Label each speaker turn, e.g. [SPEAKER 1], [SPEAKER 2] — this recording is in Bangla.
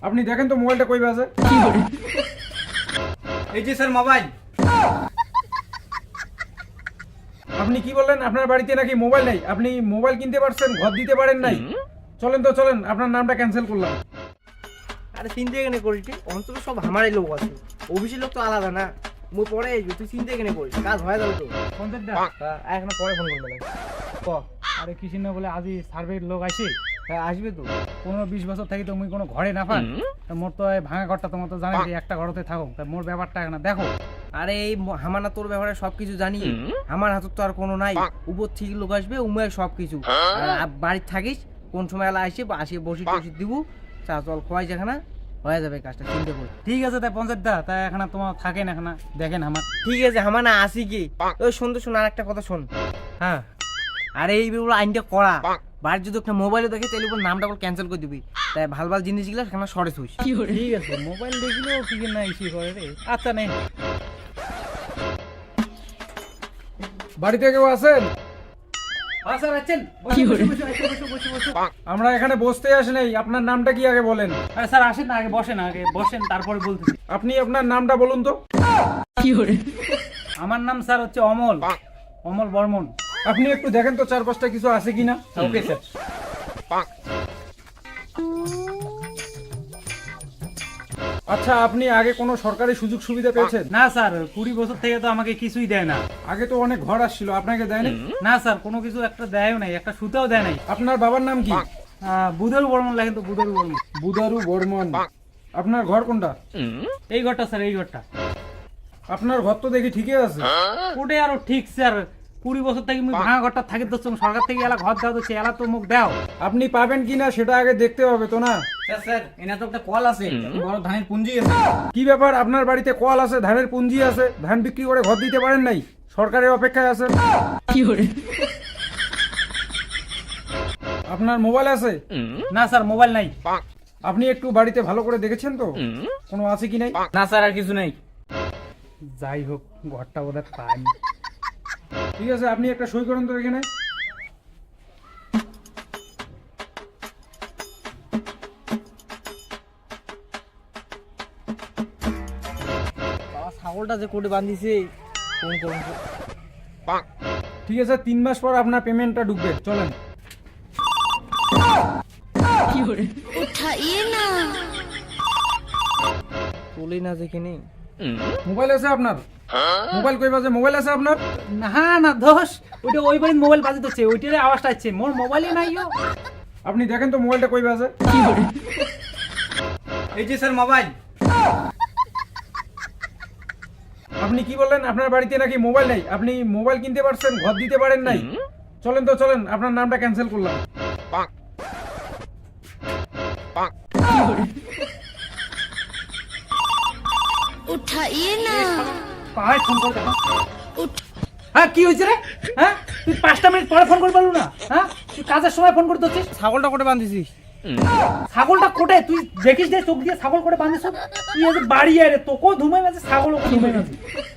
[SPEAKER 1] আপনি দেখেন তো মোবাইলটা কই বাজে।
[SPEAKER 2] এই যে স্যার মোবাইল।
[SPEAKER 1] আপনি কি বললেন আপনার বাড়িতে নাকি মোবাইল নাই? আপনি মোবাইল কিনতে পারছেন, ঘর দিতে পারেন নাই। চলেন তো চলেন, আপনার নামটা ক্যান্সেল করলাম।
[SPEAKER 2] আরে চিন্তা কেন করিস? অন্তত সব আমারই লোক আছে, অফিসের লোক তো আলাদা না। মুই পরে তুই চিন্তা কেন করিস? কাজ হয়ে যাবে তো। এখন পরে ফোন করবে ক।
[SPEAKER 1] আরে কিছু না বলে আজি সার্ভের লোক আসে।
[SPEAKER 2] হ্যাঁ আসবে তো।
[SPEAKER 1] 15-20 বছর থাকি তো মুই কোনো ঘরে না পান। তা মোর তো এই ভাঙা ঘরটা তোমার তো জানেন যে একটা ঘরতে থাকো। তা মোর ব্যাপারটা এখন দেখো।
[SPEAKER 2] আরে এই হামানা তোর ব্যাপারে সবকিছু জানি। আমার হাতে তো আর কোনো নাই। উপর থেকে লোক আসবে, উমের সবকিছু। আর বাড়িতে থাকিস, কোন সময় এলা আসে বা আসে বসি টসি দিব, চা জল খোয়াই যেখানে হয়ে যাবে কাজটা, চিন্তা করি।
[SPEAKER 1] ঠিক আছে তাই পঞ্চায়েত দা, তাই এখন তোমার থাকেন এখন দেখেন আমার।
[SPEAKER 2] ঠিক আছে হামানা আসি কি? ওই শুনতে শোন, আর একটা কথা শোন।
[SPEAKER 1] হ্যাঁ
[SPEAKER 2] আরে এই বেগুলো আইনটা করা। বাড়ির যদি একটা মোবাইলে দেখে তাহলে উপর নামটা ক্যান্সেল করে দিবি। তাই ভাল ভাল জিনিসগুলো সেখানে সরে থুইস।
[SPEAKER 1] ঠিক আছে, মোবাইল দেখিলেও কি না ইস্যু করে রে। আচ্ছা নেই, বাড়িতে কেউ আছেন? আমরা এখানে বসতে আসি নাই। আপনার নামটা কি আগে বলেন।
[SPEAKER 3] স্যার আসেন না, আগে বসেন, আগে বসেন, তারপরে বলতেছি।
[SPEAKER 1] আপনি আপনার নামটা বলুন তো।
[SPEAKER 3] আমার নাম স্যার হচ্ছে অমল, অমল বর্মন।
[SPEAKER 1] আপনি একটু দেখেন তো চারপাশটা কিছু আছে কিনা।
[SPEAKER 3] Okay sir.
[SPEAKER 1] আচ্ছা, আপনি আগে কোনো সরকারি সুযোগ সুবিধা পেয়েছেন?
[SPEAKER 3] না স্যার, 20 বছর থেকে তো আমাকে কিছুই দেয় না।
[SPEAKER 1] আগে তো অনেক ঘর আসছিল, আপনাকে দেয়নি?
[SPEAKER 3] না স্যার, কোনো কিছু একটা দেয়ও নাই, একটা সুতাও দেয় নাই।
[SPEAKER 1] আপনার বাবার নাম কি?
[SPEAKER 3] বুধারু বর্মন লেখেন তো, বুধারু বর্মন।
[SPEAKER 1] বুধারু বর্মন। আপনার ঘর কোনটা?
[SPEAKER 3] এই ঘরটা স্যার, এই ঘরটা।
[SPEAKER 1] আপনার ঘর তো দেখি ঠিকই আছে।
[SPEAKER 3] ওটাই আরো ঠিক স্যার। 20 বছর থেকে আমি ভাঙা ঘরটা থাকি তো, সরকার থেকে এলা ঘর দাও তো, এলা তো মুখ দাও।
[SPEAKER 1] আপনি পাবেন কিনা সেটা আগে দেখতে হবে তো না?
[SPEAKER 2] স্যার এনা তো একটা কল আছে, বড় ধানের পুঞ্জি আছে।
[SPEAKER 1] কি ব্যাপার, আপনার বাড়িতে কল আছে, ধানের পুঞ্জি আছে, ধান বিক্রি করে ঘর দিতে পারেন নাই? সরকারের অপেক্ষায় আছেন। আপনার মোবাইল আছে?
[SPEAKER 3] না স্যার, মোবাইল নাই।
[SPEAKER 1] আপনি একটু বাড়িতে ভালো করে দেখেছেন তো কোনো আছে কি নাই?
[SPEAKER 2] না স্যার আর কিছু নেই।
[SPEAKER 1] যাই হোক, ঘরটা বোধহয় পাই। ঠিক আছে, আপনি একটা সই করুন তো এখানে।
[SPEAKER 2] বাবা ছাগলটা যে কোটে বাঁধিছে, কোন কোন।
[SPEAKER 1] ঠিক আছে, 3 মাস পর আপনার পেমেন্টটা ঢুকবে। চলেন।
[SPEAKER 4] उठाइए ना।
[SPEAKER 2] তুলি না যেখানে।
[SPEAKER 1] মোবাইল আছে আপনার? মোবাইল কই বাজে? মোবাইল আছে আপনার?
[SPEAKER 3] না না দোষ, ওইটা ওই বাড়ির মোবাইল বাজে হচ্ছে, ওইটার আওয়াজটা আসছে। মোর মোবাইলই নাই।
[SPEAKER 1] আপনি দেখেন তো মোবাইলটা কই বাজে।
[SPEAKER 2] এই যে স্যার মোবাইল।
[SPEAKER 1] আপনি কি বললেন আপনার বাড়িতে নাকি মোবাইল নাই? আপনি মোবাইল কিনতে পারছেন, ঘর দিতে পারেন নাই। চলেন তো চলেন, আপনার নামটা ক্যান্সেল করলাম।
[SPEAKER 4] उठाइए ना।
[SPEAKER 3] পাহাড় ফোন করে দেখো। হ্যাঁ কি হয়েছে রে? হ্যাঁ তুই 5টা মিনিট পরে ফোন করে পারলু না? হ্যাঁ তুই কাজের সময় ফোন করতে হচ্ছিস।
[SPEAKER 2] ছাগলটা কোটে বাঁধিছিস?
[SPEAKER 3] ছাগলটা কোটে তুই দেখিস যে চোখ দিয়ে ছাগল করে বাঁধিস। তুই আজ বাড়ি আয় রে, তোকেও ধুমাই মাঝে ছাগলও ধুমাই মাঝে।